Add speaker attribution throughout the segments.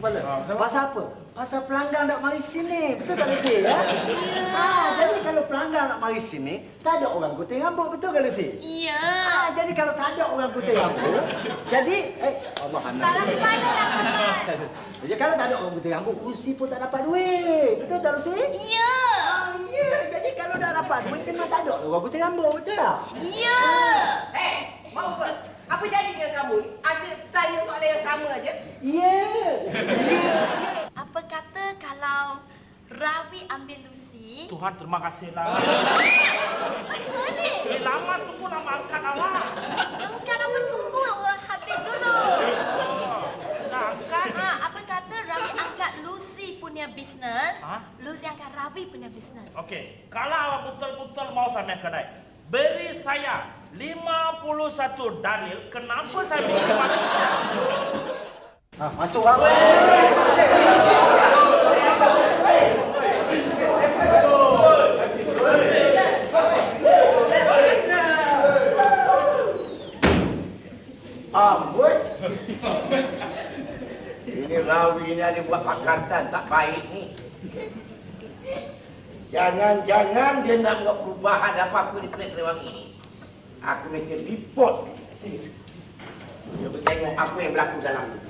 Speaker 1: kepala. Pasal apa? Pasal pelanggan nak mari sini. Betul tak Lucy? Ya? Jadi kalau pelanggan nak mari sini, tak ada orang gunting rambut. Betul tak Lucy?
Speaker 2: Iya.
Speaker 1: Jadi kalau tak ada orang gunting rambut, jadi Allah anak.
Speaker 2: Salah ke mana nak Paman?
Speaker 1: Jadi kalau tak ada orang gunting rambut, Lucy pun tak dapat duit. Betul tak Lucy?
Speaker 2: Iya.
Speaker 1: Ya. Jadi kalau dah dapat duit, memang tak ada orang gunting rambut. Betul tak?
Speaker 2: Iya.
Speaker 3: Mau ke? Apa jadi dengan kamu ni? Asyik tanya soalan yang sama aja.
Speaker 1: Ya.
Speaker 2: Apa kata kalau Ravi ambil Lucy?
Speaker 4: Tuhan terima kasihlah.
Speaker 2: Mana?
Speaker 4: Lama tunggu nama angkat awak.
Speaker 2: Bukan apa tunggu habis dulu.
Speaker 4: Dah angkat.
Speaker 2: Apa kata Ravi angkat Lucy punya bisnes, Lucy angkat Ravi punya bisnes.
Speaker 4: Okey, kalau awak betul-betul mau sampai kedai, beri saya 51 dalil kenapa saya bisa masuk.
Speaker 1: Masuk apa?
Speaker 5: Amboi. Ini Rawi ni ada buat pakatan tak baik ni. Jangan-jangan dia nak buat perubahan apa-apa di Flat Serewangi ni. Aku mesti report dia. Dia bertengok apa yang berlaku dalam ni.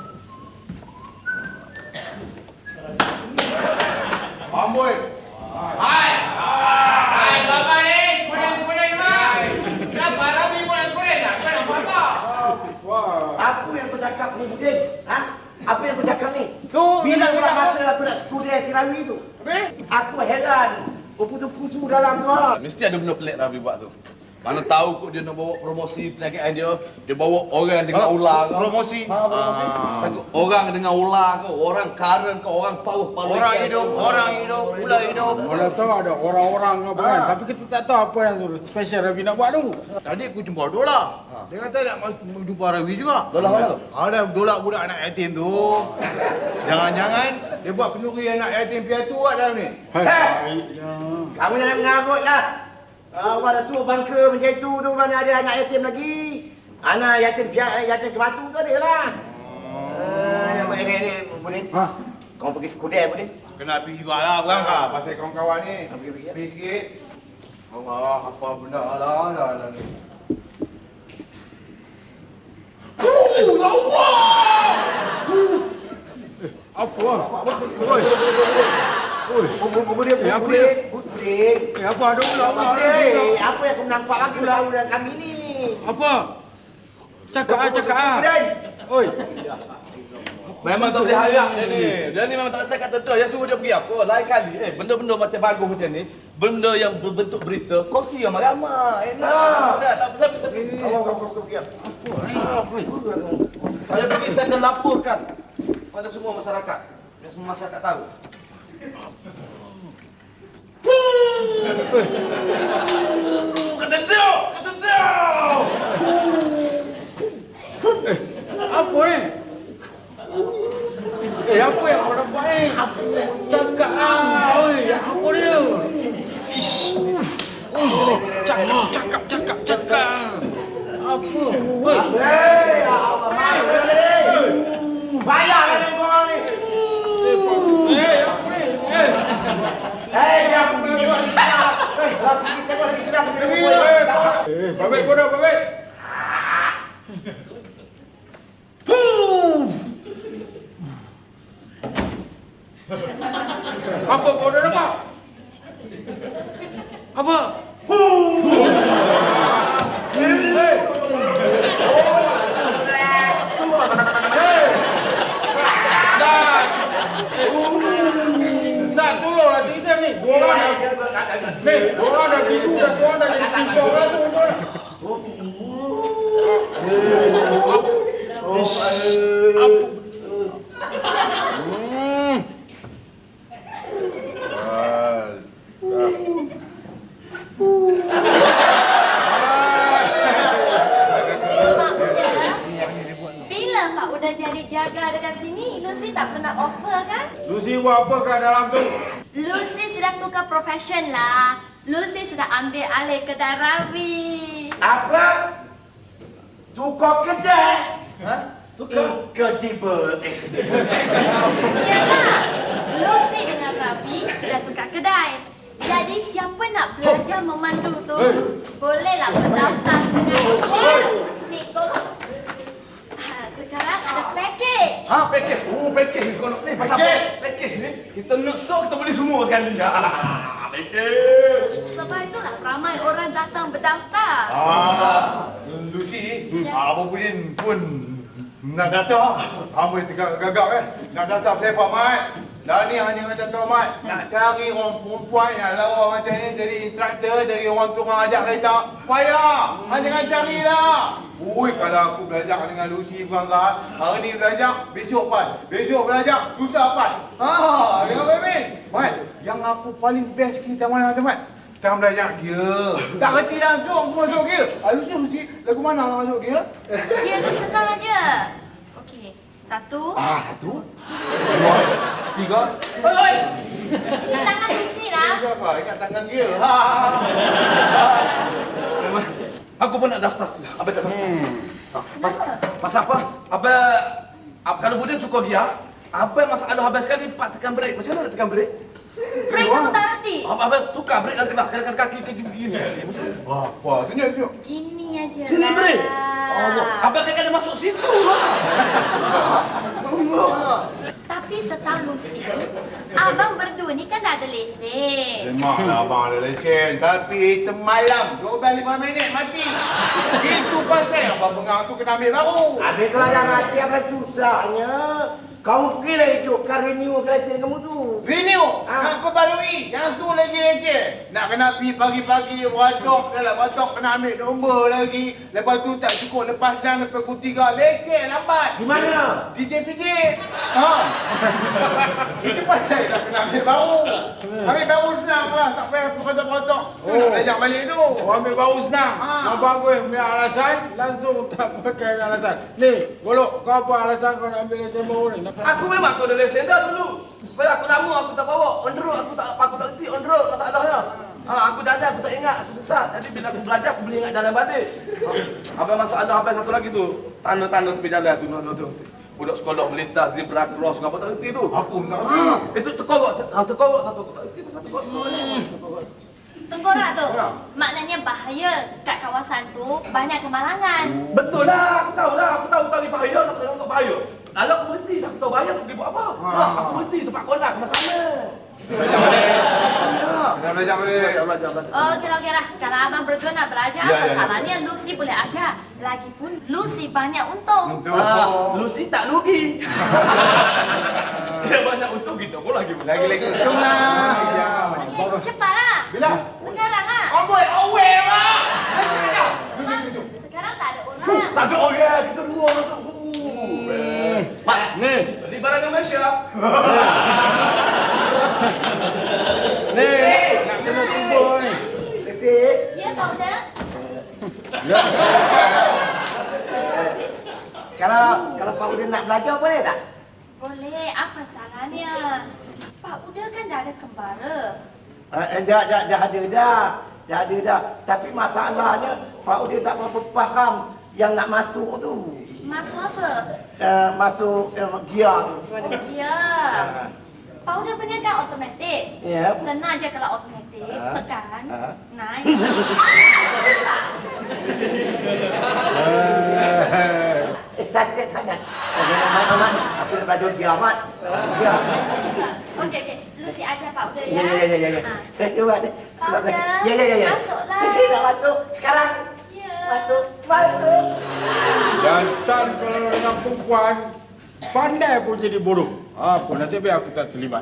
Speaker 6: Amboi. Hai. Hai, Bapak ni. Semuanya ni, Mak. Kenapa Rabi pun nak sekolah tak? Kau nak buat apa?
Speaker 5: Apa yang kau cakap ni, Budin? Ha? Apa yang kau cakap ni? Bila pula masa aku nak sekolah si Rawi tu? Aku heran. Berpusu-pusu dalam tu.
Speaker 7: Mesti ada benda pelik Rabi buat tu. Mana tahu kot dia nak bawa promosi perniagaan dia bawa orang dengan ular kau.
Speaker 6: Promosi.
Speaker 7: Promosi. Orang dengan ular kau, orang karen kau, orang paruh-paruh.
Speaker 6: Orang hidup, ular hidup.
Speaker 8: Mana tahu ada orang-orang apa kan. Tapi kita tak tahu apa yang special Ravi nak buat tu.
Speaker 6: Tadi aku jumpa Dola. Dia kata nak jumpa Rawi juga.
Speaker 7: Dola mana tu?
Speaker 6: Ada Dola budak anak yatim tu. Jangan-jangan dia buat kenduri anak yatim piatu kat dalam ni.
Speaker 5: Kamu jangan mengarut lah. Awak dah tua bangka macam itu tu mana ada anak yatim lagi. Anak yatim kematu tu ada lah. Yang ini Budin. Kau pergi sekolah Budin.
Speaker 6: Kena pergi jugalah berangkat pasal kawan-kawan ni.
Speaker 5: Pergi.
Speaker 6: Pergi sikit. Allah, apa benda lah ni.
Speaker 8: Apa? Oi.
Speaker 5: Budin.
Speaker 8: Apa ada ular?
Speaker 5: Apa yang kau nampak lagi tahu dengan kami ni?
Speaker 8: Apa? Cakap.
Speaker 5: Budin.
Speaker 8: Oi.
Speaker 7: Memang tak boleh harap dia ni. Dia ni memang tak rasa kata tu. Yang suruh dia pergi apa? Lain kali. Benda-benda macam bagus macam ni. Benda yang berbentuk berita. Kongsi yang ramai. Enak. Tak pasal-pasal.
Speaker 5: Kau pergi.
Speaker 7: Saya pergi, saya akan laporkan pada semua masyarakat. Biar semua masyarakat tahu. Kata dia!
Speaker 8: Apa ni? Apa yang kau dapat ni? Cakap oi, apa dia? Ish. Cakap. Apa? Oi.
Speaker 5: Bayarlah dengan korang ni.
Speaker 8: Apa ni?
Speaker 5: Dia pergi tengok lagi sedap. Pergi tengok lagi sedap.
Speaker 8: Babek kau dah, babek. Apa kau dah dapat? Apa? Tak tolonglah cerita ni. Orang dah bisu dah seorang dah jadi TikTok lah tu.
Speaker 2: Bila Pak udah jadi jaga dekat sini, Lucy tak pernah offer kan?
Speaker 8: Lucy buat apa kat dalam tu?
Speaker 2: Lucy sudah tukar profession lah. Lucy sudah ambil alih kedai Ravi.
Speaker 5: Apa? Tukar kedai? Incredible.
Speaker 2: Yalah, Lucy dengan Ravi sudah tukar kedai. Jadi siapa nak belajar memandu tu, bolehlah berdaftar dengan Lucy. Ni tolong. Sekarang ada package.
Speaker 7: Package. Package ni seronok ni. Pasal package ni, kita nak show, kita boleh semua sekali. Package.
Speaker 2: Sebab itulah ramai orang datang berdaftar.
Speaker 6: Lucy,
Speaker 2: Yes.
Speaker 6: Abang Budin pun nak daftar. Amboi gagap nak daftar saya Pak Mat. Dah ni hanya macam tu Mat. Nak cari orang perempuan yang lawa macam ni jadi instruktor, dari orang tukang ajak kereta. Payah. Jangan carilah. Ui, kalau aku belajar dengan Lucy berangkat, hari ni belajar, besok pas. Besok belajar, lusa pas. Jangan main-main. Mat, yang aku paling best kita mana teman? Kita belajar gear. Tak kerti langsung aku masuk gear. Lucy, lagu mana nak masuk gear?
Speaker 2: Dia tu senang aja. Okey, 1.
Speaker 6: 1, 2, 3. Oi!
Speaker 2: Di tangan Lucy lah.
Speaker 6: Itu apa? Ikat tangan gear.
Speaker 7: Aku pun nak daftar. Abang tak daftar. Pasal apa? Kalau Budin suka dia, apa yang masalah habis sekali Pak tekan break. Macam mana nak tekan break?
Speaker 2: Break aku tak reti.
Speaker 7: Abang tukar break nanti lah. Kadang-kadang kaki begini.
Speaker 6: Apa? Tunjuk.
Speaker 2: Gini aja
Speaker 7: Sini
Speaker 2: lah.
Speaker 7: break. Abang kena masuk situ lah.
Speaker 2: Tapi setahu Lucy, abang berdua ni kan dah ada lesen.
Speaker 6: Memanglah abang ada lesen. Tapi semalam 12-5 minit mati. Itu pasal abang pengang tu kena ambil baru.
Speaker 5: Habis kalau dah mati apa susahnya? Kamu pergilah hidupkan renew lesen kamu tu.
Speaker 6: Renew. Nak perbarui. Yang tu lagi leceh. Nak kena pergi pagi-pagi batok. Dalam batok kena ambil nombor lagi. Lepas tu tak cukup lepas dan lepas pukul 3. Leceh lambat.
Speaker 5: Di mana?
Speaker 6: DJ-PJ. Itu pasal tak kena ambil baru. Ambil baru senang lah. Tak payah potong-potong. Nak belajar balik tu.
Speaker 8: Ambil baru senang. Kau bagus punya alasan, langsung tak pakai alasan. Ni, Golok, kau apa alasan kau nak ambil lesen baru ni?
Speaker 7: Aku memang aku ada lesen dah dulu. Sebab aku lama aku tak bawa. On the road aku tak reti on the road masalahnya. Aku jalan aku tak ingat, aku sesat. Jadi bila aku belajar aku boleh ingat jalan balik. Abang masalah habis satu lagi tu. Tanda-tanda tepi jalan tu. Budak sekolah melintas zebra cross apa tak reti tu.
Speaker 6: Aku tak reti.
Speaker 7: Itu terkorok satu aku tak reti pasal terkorok.
Speaker 2: Tengkorak tu, maknanya bahaya. Kat kawasan tu banyak kemalangan.
Speaker 7: Betul lah, aku tahu tali bahaya, nak tengok bahaya. Lalu aku berhenti, aku tahu bahaya, aku pergi buat apa? Aku berhenti tempat konak, sama.
Speaker 6: Kena belajar balik.
Speaker 2: Okey lah. Kalau abang berdua nak belajar, masalahnya Lucy boleh ajar. Lagipun Lucy banyak untung.
Speaker 7: Lucy tak rugi. Dia banyak untung, kita pun lagi untung.
Speaker 6: Lagi untung lah.
Speaker 2: Okey, cepatlah.
Speaker 6: Bila?
Speaker 2: Sekarang lah.
Speaker 6: Amboi, awet lah.
Speaker 2: Sebab sekarang tak ada orang.
Speaker 7: Tak ada orang, kita dua masuk. Mak,
Speaker 8: Ni,
Speaker 7: beli barang di Malaysia.
Speaker 8: ni, nak kena kubur ni.
Speaker 5: Lesen.
Speaker 2: Ya, Pak Uda.
Speaker 5: Kalau Pak Udin nak belajar boleh tak?
Speaker 2: Boleh, apa salahnya? Pak Uda kan dah ada kembara.
Speaker 5: Dah ada dah. Tapi masalahnya Pak Udin tak berapa faham yang nak masuk tu.
Speaker 2: Masuk apa?
Speaker 5: Masuk gear tu.
Speaker 2: Ya. Pak Uda punya kan automatik.
Speaker 5: Ya.
Speaker 2: Senang je kalau automatik. Tekan. Naik.
Speaker 5: Excited sangat. Amat. Aku nak belajar gear amat. Gear.
Speaker 2: Okey. Lucy ajar Pak Uda ya.
Speaker 5: Ya. Cuba deh.
Speaker 2: Pak Uda,
Speaker 5: Ya.
Speaker 2: masuklah.
Speaker 5: Nak masuk sekarang.
Speaker 2: Ya.
Speaker 5: Masuk.
Speaker 8: Jantan kalau dengan perempuan, pandai pun jadi bodoh. Apa nasib baik aku tak terlibat.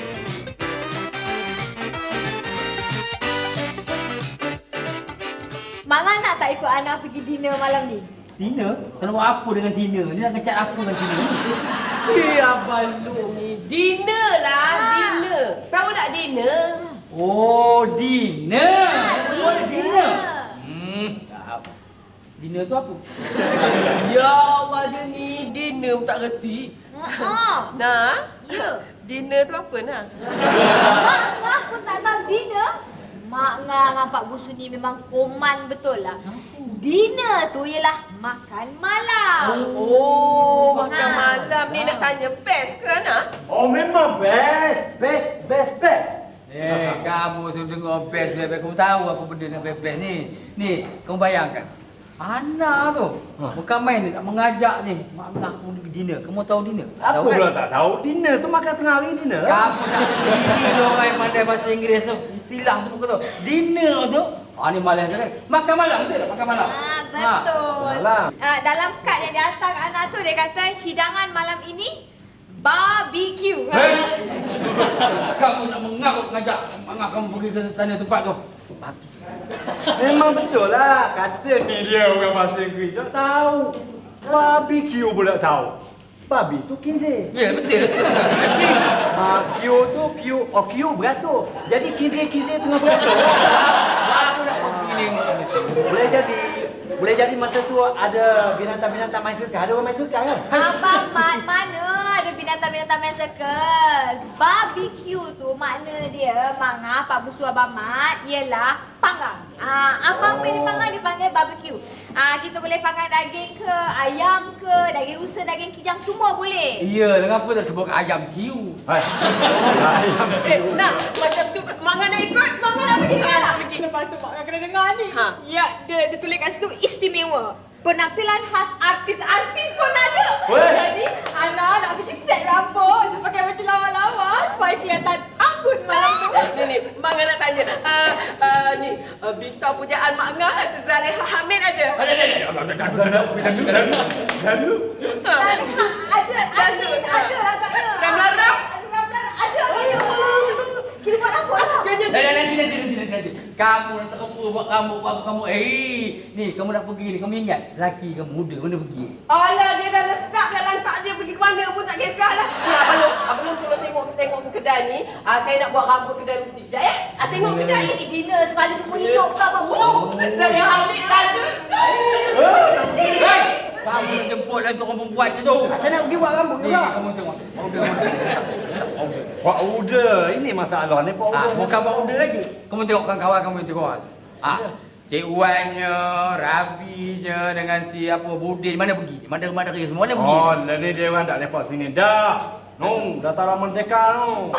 Speaker 9: Mak Ngan nak tak ikut Ana pergi dinner malam ni?
Speaker 10: Tina? Kena buat apa dengan Tina? Ni nak kecat apa dengan Tina?
Speaker 3: Abang Lu ni. Dinner lah, dinner. Tahu tak dinner?
Speaker 10: Oh, dinner!
Speaker 9: Oh, dinner.
Speaker 10: Tak. Dinner tu apa?
Speaker 3: Ya Allah, dia ni dinner pun tak reti. Nah,
Speaker 9: Ya.
Speaker 3: dinner tu apa nah?
Speaker 9: Mak Ngah pun tak tahu dinner. Mak Ngah dengan Pak Busu ni memang koman betul lah. Dinner tu ialah makan malam.
Speaker 3: Oh, makan malam ni nak tanya best ke Ana?
Speaker 1: Oh memang best.
Speaker 10: Kamu sudah dengar best. Kamu tahu apa benda yang best ni. Ni, kamu bayangkan. Ana tu, bukan main ni, nak mengajak ni. Mak aku pergi dinner. Kamu tahu dinner?
Speaker 1: Apa
Speaker 10: Tahu kan?
Speaker 1: pula tak tahu? Dinner tu makan tengah hari dinner.
Speaker 10: Kamu tak pergi orang yang pandai bahasa Inggeris tu. Istilah tu bukan tu. Dinner tu. Ni malam kan? Makan malam, betul tak? Makan malam.
Speaker 9: Betul.
Speaker 1: Malam.
Speaker 9: Dalam kad yang dihantar kat Ana tu dia kata hidangan malam ini barbecue.
Speaker 10: Kamu nak mengajak mak kamu pergi ke sana tempat tu.
Speaker 1: Memang betul lah. Kata ni dia orang bahasa Inggeris. Tak tahu. Barbecue pula tahu. Babi tu kinze.
Speaker 10: Ya, betul.
Speaker 1: Q tu Q beratur. Jadi kinze tengah beratur.
Speaker 10: Aku nak pergi ni.
Speaker 1: Boleh jadi masa tu ada binatang-binatang main sirkus. Ada orang main sirkus kan?
Speaker 9: Abang Mat, mana ada binatang-binatang main sirkus? Barbecue tu makna dia, Pak Busu Abang Mat, ialah panggang. Apa yang dipanggang dipanggil barbecue. Kita boleh panggang daging ke, ayam ke, daging rusa, daging kijang, semua boleh.
Speaker 10: Ya, kenapa tak sebut ayam kiu?
Speaker 3: Nak, macam tu Mak Ngah nak ikut?
Speaker 9: Mak Ngah nak pergi ke?
Speaker 3: Nak pergi.
Speaker 9: Lepas tu Mak Ngah kena dengar ni. Ya, dia tulis kat situ istimewa. Penampilan khas artis-artis pun ada. Jadi, Ana nak pergi set rambut, nak pakai baju lawa-lawa supaya kelihatan anggun malam tu.
Speaker 3: Ni, Mak Ngah nak tanya. Ni, bintang pujaan Mak Ngah, Zaleha Hamid ada?
Speaker 10: Lalu?
Speaker 9: Ada agaknya.
Speaker 3: Ramlah-ram?
Speaker 9: Ada. Kita buat rambut lah.
Speaker 10: Nanti. Kamu nak tak apa buat kamu. Ni kamu nak pergi ni. Kamu ingat laki kamu muda mana pergi?
Speaker 3: Alah, dia dah lesap dah lantak dia pergi ke mana pun tak kisahlah. Abang tolong tengok ke kedai ni. Saya nak buat rambut kedai Rusi. Sekejap ya.
Speaker 9: Tengok kedai ini dinner sekali semua hidup ke apa?
Speaker 3: Saya ambil tanda.
Speaker 10: Kamu nak jemput lah untuk orang perempuan ke tu?
Speaker 1: Saya nak pergi buat rambut
Speaker 10: Ni,
Speaker 1: juga.
Speaker 10: kamu tengok.
Speaker 1: Powder. Ini masalah ni powder.
Speaker 10: Bukan powder lagi. Kamu tengok kawan kamu yang tengok. Cik Wannya, Rabinya dengan si Budin mana pergi? Mana kerja semua mana pergi?
Speaker 1: Oh, ni dia orang tak lepak sini dah. Dah Taman Merdeka tu.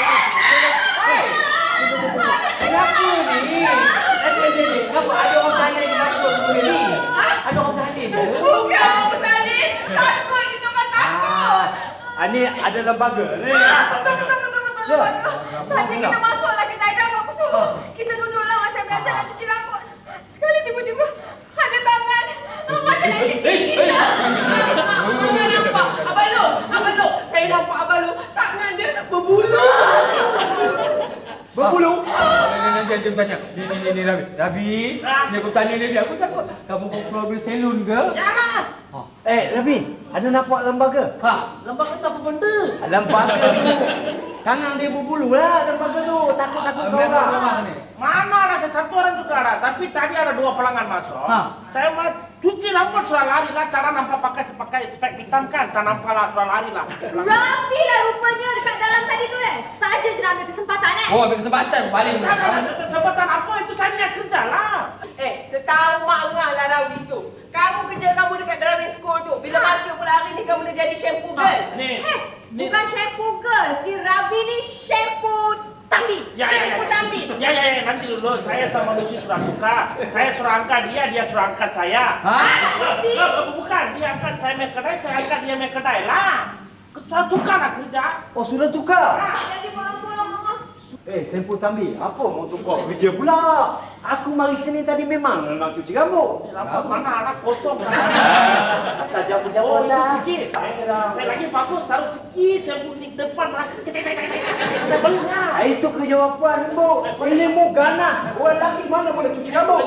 Speaker 10: Kenapa ni? Kenapa ada orang salin di masuk semua ni? Ada orang salin ke?
Speaker 3: Bukan orang salin. Takut kita orang takut.
Speaker 1: Ni ada lembaga ni.
Speaker 3: Betul. Tadi kita masuklah kedai dah aku suruh. Kita duduklah macam biasa nak cuci rambut. Sekali tiba-tiba ada tangan. Macam nak cekik kita. Mana nampak? Abang Long. Saya nampak Abang Long. Tangan dia berbulu.
Speaker 1: Berbulu?
Speaker 10: Nanti tanya. Ni Rabi. Ni aku tanya dia. Aku takut. Kamu problem salon ke?
Speaker 1: Rabi, ada nampak lembaga?
Speaker 10: Lembaga tu apa benda?
Speaker 1: Lembaga tu. Tangan dia berbulu lah lembaga tu. Takut-takut kau lah.
Speaker 4: Mana ada satu orang juga ada, tapi tadi ada 2 pelanggan masuk. Saya mau cuci rambut sudah lari lah, cara nampak pakai spek hitam kan, tak nampak lah sudah lari lah.
Speaker 9: Rafi lah rupanya dekat dalam tadi tu Saja je nak ambil kesempatan
Speaker 10: Oh, ambil kesempatan paling.
Speaker 4: Kesempatan apa itu saya nak kerja lah.
Speaker 3: Setahu Mak Ngah lah Rawi tu. Kamu kerja kamu dekat driving school tu. Bila masuk pula hari ni kamu dah jadi shampoo girl.
Speaker 9: Bukan shampoo girl. Si Rafi ni shampoo Tambi. Shampoo Tambi.
Speaker 4: Ya, nanti dulu. Saya sama Lucy sudah suka. Saya suruh angkat dia suruh angkat saya. Bukan, dia angkat saya main kedai, saya angkat dia main kedai lah. Sudah tukar lah kerja.
Speaker 1: Oh, sudah tukar?
Speaker 9: Tak jadi bolong-bolong Mama.
Speaker 1: Sempu Tambi, apa mau tukar kerja pula? Aku mari sini tadi memang nak cuci rambut.
Speaker 4: Lampu mana anak kosong kan?
Speaker 1: Tak jauh-jauh
Speaker 4: Oh, itu
Speaker 1: lah.
Speaker 4: sikit. Saya lagi bagus taruh sikit, saya bunyi depan saya belah.
Speaker 1: Itu kerja perempuan, Bu. Ini mu ganas. Orang lelaki mana boleh cuci rambut?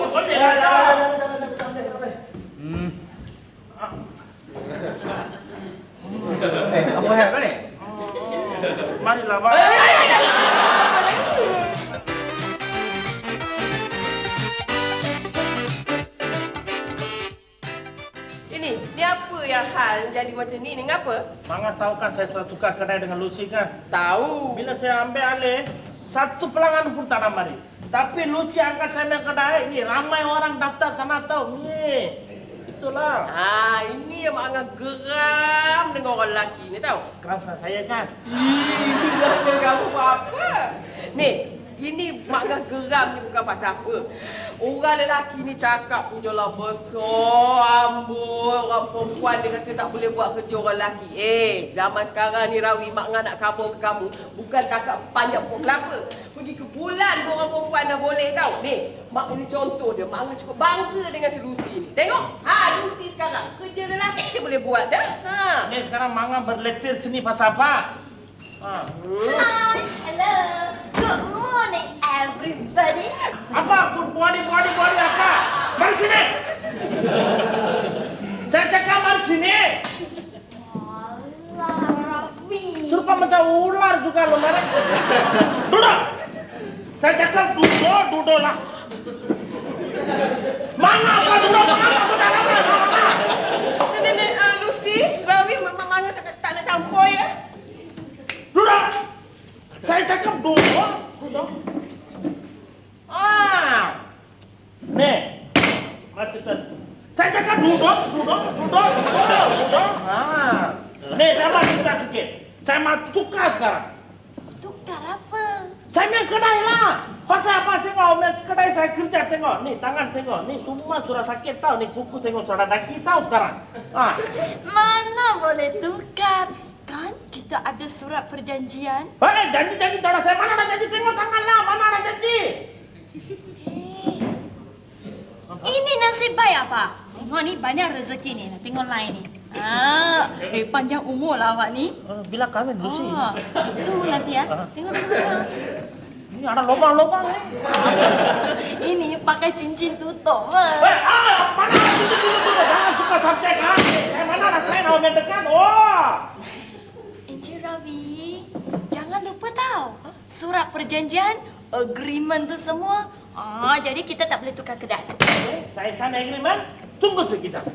Speaker 10: Apa hal kau ni?
Speaker 4: Marilah, Mak.
Speaker 3: Ni apa yang hal jadi macam ni? Ni ngapa?
Speaker 4: Mangga tahu kan saya sudah tukar kedai dengan Lucy kan?
Speaker 3: Tahu.
Speaker 4: Bila saya ambil alih, satu pelanggan pun tak nak mari. Tapi Lucy angkat saya main kedai ni, ramai orang daftar sana tahu ni. Itulah.
Speaker 11: Ini yang mak Angah geram dengan orang lelaki ni tahu.
Speaker 4: Kerasa saya kan.
Speaker 11: Ih, kamu apa? Ni, ini mak Angah geram ni bukan pasal apa. Orang lelaki ni cakap punyalah besar ambut. Orang perempuan dia kata tak boleh buat kerja orang lelaki. Zaman sekarang ni Rawi, mak Angah nak kabur ke kamu. Bukan cakap panjang pokok kelapa. Pergi ke bulan pun orang perempuan dah boleh tahu. Ni, mak ini contoh dia. Mak Angah cukup bangga dengan si Lucy ni. Tengok. Lucy sekarang. Kerja lelaki dia boleh buat dah.
Speaker 4: Ni sekarang Manga berletir sini pasal apa?
Speaker 2: Hi, hello. Good morning, everybody.
Speaker 4: Apa? Good morning, apa? Mari sini. Saya cakap mari sini.
Speaker 2: Alah, Raffi.
Speaker 4: Serupa macam ular juga lo, mari. Duduk. Saya cakap duduk lah. Mana apa duduk? Mana sudah lama sama?
Speaker 11: Nenek Lucy, Rawi Mama tak nak campur ya.
Speaker 4: Duduk. Saya cakap duduk. Duduk. Nih. Macam tu. Saya cakap duduk. Nih, saya mau cerita sikit. Saya mau tukar sekarang.
Speaker 2: Tukar apa?
Speaker 4: Saya main kedai lah. Pasal apa tengok, main kedai saya kerja tengok. Nih, tangan tengok. Nih, semua sudah sakit tahu. Nih, kuku tengok sudah daki tahu sekarang.
Speaker 2: Mana boleh tukar? Kan kita ada surat perjanjian.
Speaker 4: Janji tak ada saya. Mana ada janji? Tengok tangan lah. Mana ada janji?
Speaker 2: Ini nasib baik apa? Tengok ni banyak rezeki ni. Tengok lain ni. Panjang umur lah awak ni.
Speaker 4: Bila kahwin Lucy?
Speaker 2: Itu nanti ya. Tengok.
Speaker 4: Ini ada lubang-lubang ni.
Speaker 2: Ini pakai cincin tutup.
Speaker 4: Mana cincin tutup? Jangan suka subjek lah. Saya mana ada saya nak mendekat.
Speaker 2: Encik Ravi, jangan lupa tahu surat perjanjian, agreement tu semua. Jadi kita tak boleh tukar kedai.
Speaker 4: Saya sign agreement. Tunggu sekejap.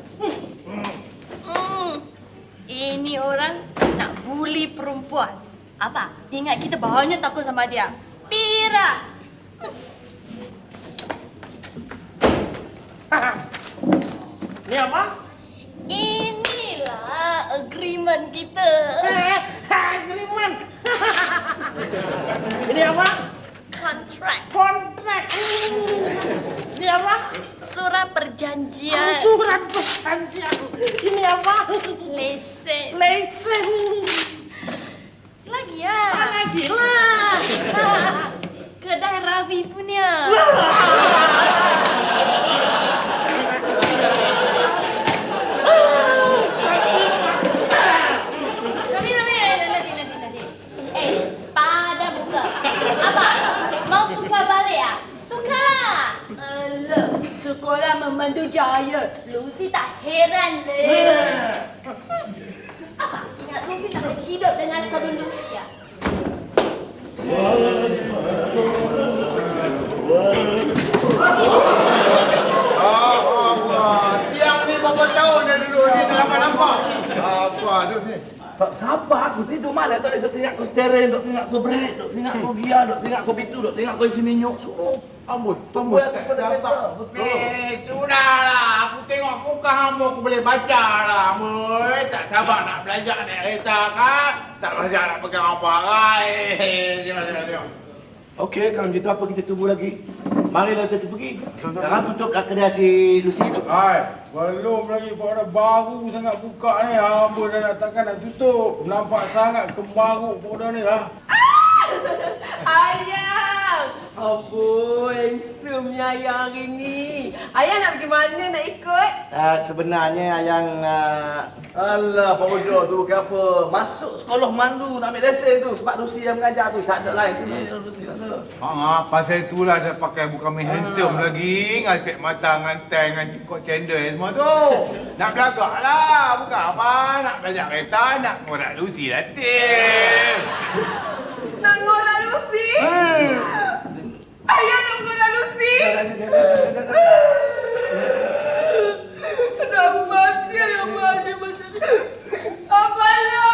Speaker 2: Ini orang nak bully perempuan. Apa? Ingat kita banyak takut sama dia. Pira.
Speaker 4: Ni apa?
Speaker 2: Inilah agreement kita.
Speaker 4: Agreement. Ini apa?
Speaker 2: Kontrak.
Speaker 4: Ini apa?
Speaker 2: Surat perjanjian.
Speaker 4: Surat perjanjian. Ini apa?
Speaker 2: Lesen. Lagi ya?
Speaker 4: Lagi lah.
Speaker 2: Kedai Ravi punya. Nanti. Pada buka. Apa? Mau tukar balik ya? Tukarlah. Alah, sekolah memandu jaya. Lucy tak heran deh. Apa? Ingat Lucy tak boleh hidup dengan sabun Lucy ya?
Speaker 6: Tiang ni berapa tahun dah duduk ni tak nampak. Apa duduk sini?
Speaker 7: Tak sabar aku tidur mana tak duk tengok kau steering, duk tengok kau brake, duk tengok kau gear, duk tengok kau pintu, duk tengok kau isi minyak.
Speaker 6: Ambut.
Speaker 7: Tak sabar.
Speaker 6: Sudahlah. Aku tengok kau kamu aku boleh baca lah. Moy, tak sabar nak belajar naik kereta kan? Tak belajar nak pegang apa kan? Tengok.
Speaker 5: Okey, kalau gitu apa kita tunggu lagi? Marilah kita pergi. Sekarang tutuplah kedai si Lucy tu.
Speaker 8: Belum lagi pada baru sangat buka ni. Amboi dah nak takkan nak tutup. Nampak sangat kemaruk pada ni lah.
Speaker 11: Ayang! Amboi, handsome-nya Ayang hari ni. Ayang nak pergi mana nak ikut?
Speaker 5: Sebenarnya Ayang...
Speaker 7: Alah, Pak Ojo tu bukan apa. Masuk sekolah mandu nak ambil lesen tu. Sebab Lucy yang mengajar tu. Tak ada lain tu. Lucy tak ada.
Speaker 6: Pasal itulah dia pakai bukan main handsome lagi. Dengan spek mata, dengan tank, dengan cukup cendol semua tu. Nak belagak lah. Bukan apa. Nak belajar kereta, nak ngorak Lucy latih.
Speaker 11: Nak ngorak Lucy? Ayah nak ngorak Lucy? Sabar dia yang bahagia macam ni. Apalah!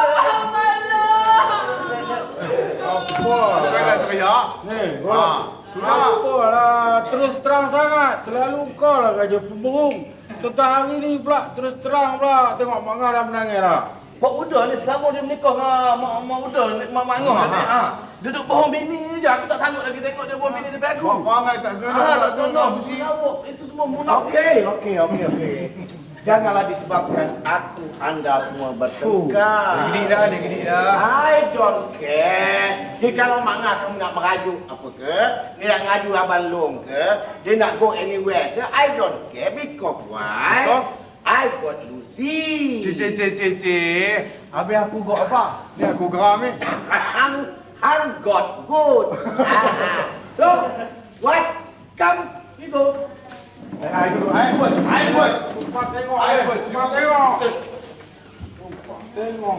Speaker 8: Apa?
Speaker 6: Bukan nak teriak.
Speaker 8: Ni, Apalah, terus terang sangat. Selalu kau lah kerja pemberung. Tentang hari ni pula, terus terang pula. Tengok Mak Ngah dah menangis dah.
Speaker 7: Mak Uda ni selama dia menikah dengan Mak Uda, Mak Ngah ni, duduk bohong bini je. Aku tak sanggup lagi tengok dia bohong bini depan aku.
Speaker 6: Kau angai tak senonoh.
Speaker 7: Tak senonoh. Itu semua munafik.
Speaker 5: Okey. Janganlah disebabkan aku anda semua bertengkar.
Speaker 6: Dia gedik dah.
Speaker 5: I don't care. Dia kalau Mak Ngah kamu nak merajuk apa ke, dia nak ngadu Abang Long ke, dia nak go anywhere ke, I don't care because why?
Speaker 6: Because?
Speaker 5: I got Lucy.
Speaker 6: Cik. Habis aku got apa? Ni aku geram ni.
Speaker 5: Hang got good. So, what? Come, we go.
Speaker 6: I first.
Speaker 8: Cepat tengok.
Speaker 6: I first.
Speaker 8: Cepat tengok. Tengok.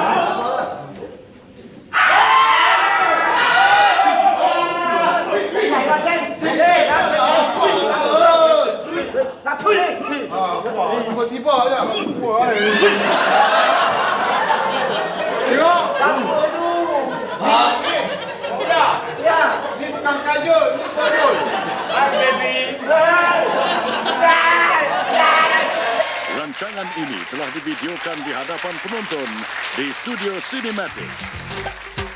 Speaker 5: Satu ni.
Speaker 6: Tiba-tiba je. Tengok.
Speaker 5: Satu tu. Ya.
Speaker 6: Ni tukang kajol. Ni kajol.
Speaker 4: Hai baby.
Speaker 12: Rancangan ini telah divideokan di hadapan penonton di Studio Cinematic.